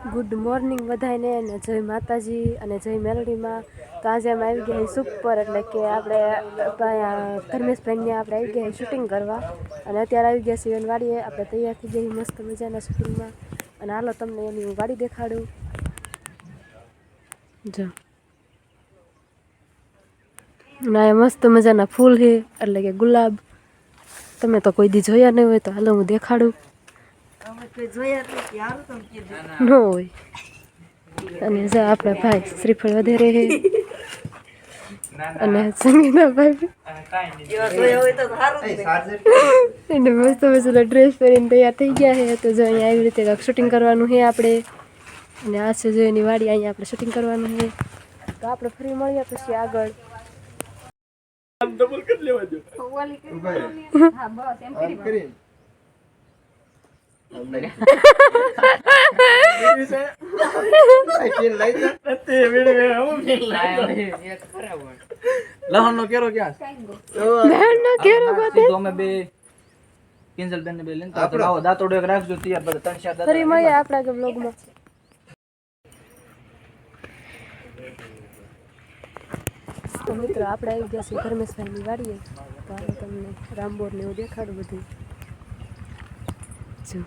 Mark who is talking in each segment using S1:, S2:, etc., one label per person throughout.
S1: Good morning બધાને અને જય માતાજી અને જય મેલડીમાં. તો આજે અમે આવી ગયા સુપર, એટલે કે આપણે ધર્મેશભાઈને આપણે આવી ગયા શૂટિંગ કરવા. અને અત્યારે આવી ગયા છીએ વાડીએ. આપણે તૈયાર થઈ જઈએ મસ્ત મજાના શૂટિંગમાં. અને હાલો તમને એની હું વાડી દેખાડું. જો ના મસ્ત મજાના ફૂલ છે, એટલે કે ગુલાબ. તમે તો કોઈ દી જોયા નહીં હોય તો હાલો હું દેખાડું. ન હોય. અને જો આપણા ભાઈ શ્રીફળ વધારે છે અને સંગીતાભાઈ એને મસ્ત મસ્ત ડ્રેસ પહેરીને તૈયાર થઈ ગયા છે. તો જો અહીંયા આવી રીતે શૂટિંગ કરવાનું છે આપણે. અને આ છે જો એની વાડી, અહીંયા આપણે શૂટિંગ કરવાનું છે. તો આપણે ફરી મળીએ પછી આગળ. ડબલ કરી લેવા દો. હા બસ એમ કરી.
S2: લહણનો કેરો ક્યાં છે?
S1: લહણનો કેરો ગોતે
S2: તો અમે બે કિંજલ બેન ને બે લઈને તો આવો દાંતોડો એક રાખજો તૈયાર. બધા ત્રણ ચાર
S1: ફરી મળીએ આપણા કે વ્લોગમાં. તો મિત્રો આપણે આવી ગયા છીએ ધર્મેશભાઈની વાડીએ. તો આપણે તમને રામબોર ને એવું દેખાડું બધું. જો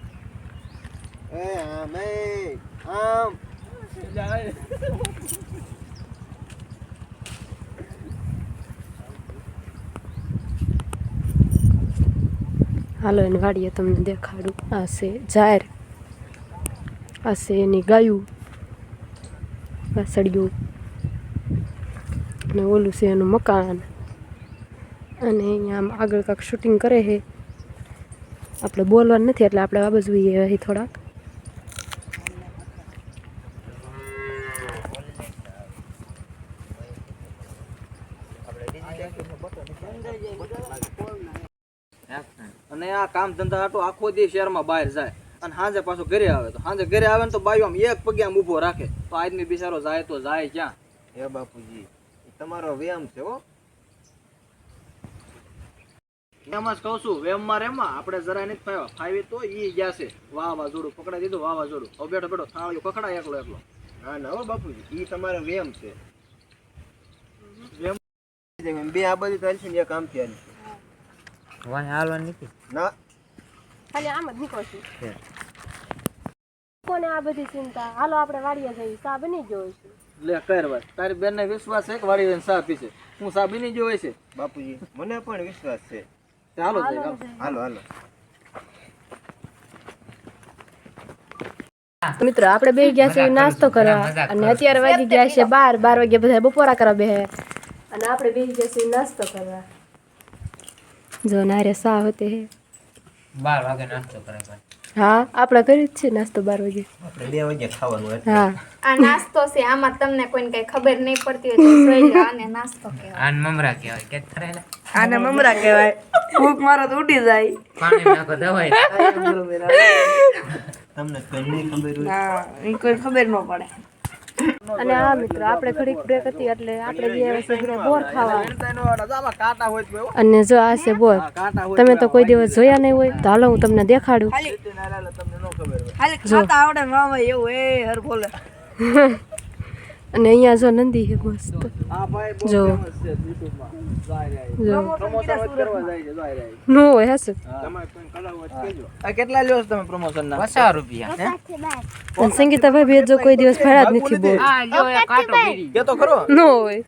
S1: હાલો એની વાડીએ તમને દેખાડું. આ છે જાહેર, આ છે એની ગાયું, વાસળિયું, અને ઓલું છે એનું મકાન. અને અહીંયા આમ આગળ કાંક શૂટિંગ કરે છે. આપણે બોલવાનું નથી એટલે આપણે આ બાજુ અહીં થોડાક.
S2: અને આ કામ ધંધા આટો આખો દી શહેરમાં બહાર જાય અને સાંજે પાછો ઘરે આવે. તો સાંજે ઘરે આવે ને તો બાયું આમ એક પગે આમ ઊભો રાખે. તો આદમી બિચારો જાય તો જાય ક્યાં?
S3: હે બાપુજી, તમારો વ્યાયામ છે હો.
S2: એમ જ કહું છું, વેમમાં રેમમાં આપણે જરાય નથી ફાવ્યા. ફાવી તો ઈ ગયા છે. વાવાઝોડું પકડાઈ દીધું, વાવાઝોડું. હવે બેઠો બેઠો થાળીઓ પકડાય એકલો એકલો.
S3: હા ના હો બાપુજી, ઈ તમારો વ્યાયામ છે. બે આ બધી ચાલશે ને એક આમથી હાલશે.
S2: વાહ હાલવાની નથી
S3: ના,
S1: ખાલી આમ જ નીકળશું. કોને આ બધી ચિંતા? હાલો આપણે વાડીએ જઈએ. ચા બની ગયો છે.
S2: લે કર વાત. તારી બેન ને વિશ્વાસ છે કે વાડી સા પીશે? હું સા બની ગયો હોય છે
S3: બાપુજી મને પણ વિશ્વાસ છે.
S2: હાલો જઈ
S3: હાલો હાલો.
S1: મિત્રો આપણે બે ગયા છે નાસ્તો કરવા. અને અત્યારે વાગી ગયા છે 12 વાગે બધા બપોરા કરવા બેહે. અને આપણે બે ગયા છે નાસ્તો કરવા. જો નારે સા હોતે હે
S2: 12 વાગે નાસ્તો કરે.
S1: હા આપણે કરી જ છે નાસ્તો 12 વાગે.
S3: આપણે 2 વાગે ખાવાનું એટલે.
S1: હા
S4: આ નાસ્તો છે. આમાં તમને કોઈને કઈ ખબર નહીં પડતી હોય તો જોઈ લો. આને નાસ્તો કહેવાય.
S5: આને મમરા કહેવાય કે થરેલા.
S6: આને મમરા કહેવાય. ભૂખ મારો તો ઉડી જાય.
S5: પાણી નાખો દવાઈ.
S3: તમને કઈ નહીં ખબર હોય.
S6: હા, એ કોઈ ખબર ન પડે.
S1: અને હા મિત્રો આપણે ઘડીક બ્રેક હતી એટલે આપણે ગયા છે ઘરે બોર ખાવા.
S2: કાંટા હોય તો
S1: અને જો આ છે બોર. તમે તો કોઈ દિવસ જોયા નહીં હોય તો હાલો હું તમને દેખાડું.
S2: તમને ન ખબર હોય.
S6: ખાલી ખાતા આવડે મામા એવું એ હર બોલે.
S1: અને અહીંયા જો નંદી છે મસ્ત.
S2: આ ભાઈ બહુ
S1: જો
S2: ફેમસ છે YouTube માં. જાય
S1: જો
S2: પ્રમોશન કરવા જાય છે. જાય
S1: નો હોય હશે.
S2: તમારે કોઈ કલાવ હોય કેજો. આ કેટલા લ્યો છો તમે પ્રમોશન ના?
S5: 50 રૂપિયા.
S1: અને સંગીતા ભાઈ જો કોઈ દિવસ ફળા જ નથી બોલ.
S5: આ જો એ કાંટો ગીરી.
S2: કે તો ખરો.
S1: નો હોય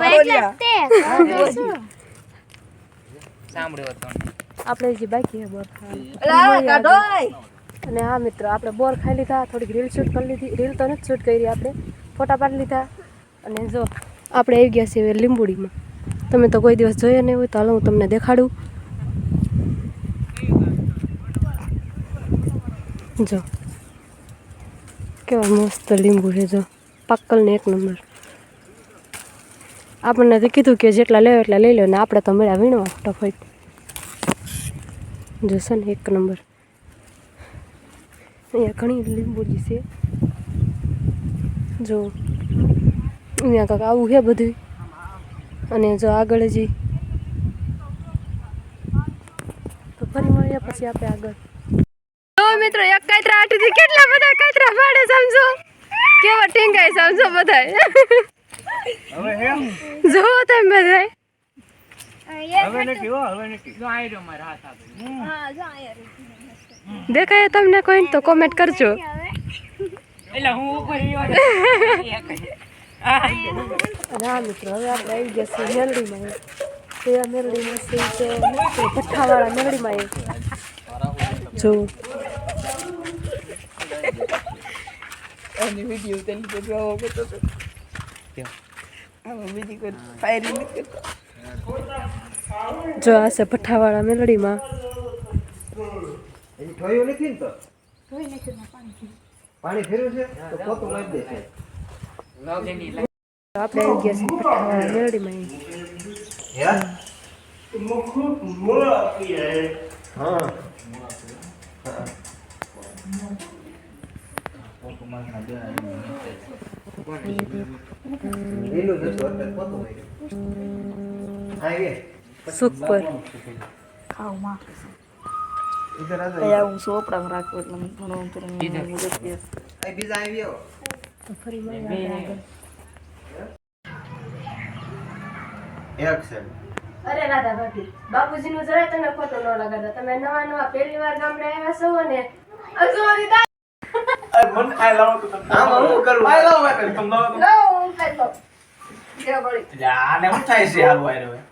S5: સાંભળ્યો તો.
S1: આપણે જે બાકી છે બોર ખાવાનું.
S6: અલા કાઢોય.
S1: અને હા મિત્રો આપણે બોર ખાઈ લીધા. થોડીક રીલ શૂટ કરી લીધી. રીલ તો નથી શૂટ કરી, આપણે ફોટા પાડી લીધા. અને જો આપણે આવી ગયા છીએ લીંબુડીમાં. તમે તો કોઈ દિવસ જોયા નહીં હોય તો હાલો હું તમને દેખાડું. જો કેવા મસ્ત લીંબુ છે. જો પાક્કલ ને એક નંબર. આપણને તો કીધું કે જેટલા લેવો એટલા લઈ લો. ને આપણે તો મળ્યા વીણવા ફટાફટ. જોશે ને એક નંબર. અહીંયા ઘણી લીંબુડી છે. જો અહીંયા કાંક આવું છે બધું. અને જો આગળ હજી તો ફરી મળીએ પછી આપણે આગળ. મિત્રો એક કાતરા આટીથી કેટલા બધા કાતરા પાડે સમજો. ગાઈસ આમ જો બધાય જો તમે બધાય દેખાય તમને કોઈ તો કોમેન્ટ કરજો.
S5: એટલે હું ઉપર
S1: હા મિત્રો હવે આપણે આવી ગયા છીએ મેલડીમાં. તે મેલડીમાં છે તો ભઠ્ઠાવાળા મેલડીમાં જો
S6: એની વિડીયો તેની પર જોવો કરતો હતો. આમાં બીજી કોઈ ફાયરિંગ નથી કરતો.
S1: જો આ છે ભઠ્ઠાવાળા મેલડીમાં.
S3: હજી ઠોયું નથી ને તો પાણી ફેર્યું છે તો પોતું લાવી દે છે.
S1: આપણે આવી ગયા છીએ ભઠ્ઠાવાળા મેલડીમાં.
S3: હે હા લીલું જ હતું એટલે પોતું લાગ્યું. હા એ
S1: સુપર.
S6: ખાવમાં
S3: ઇધર આ
S6: અહીંયા હું સોપડામાં રાખું એટલે મને ઘણો અંતર મદદ કરે.
S3: આ બીજા આવી આવો.
S1: તો ફરી મળીએ આગળ.
S3: એક્શન
S1: અરે રાધા ભાભી, બાપુજીનું જરાય તમે ખોટું ન લગાડતા. તમે નવા નવા પહેલી વાર ગામડે આવ્યા છો અને અજવાળી દાળ
S3: આમાં હું કરું
S1: લાવો, હું ખાઈ લઉં.
S5: આને હું થાય છે હાલ વાયરો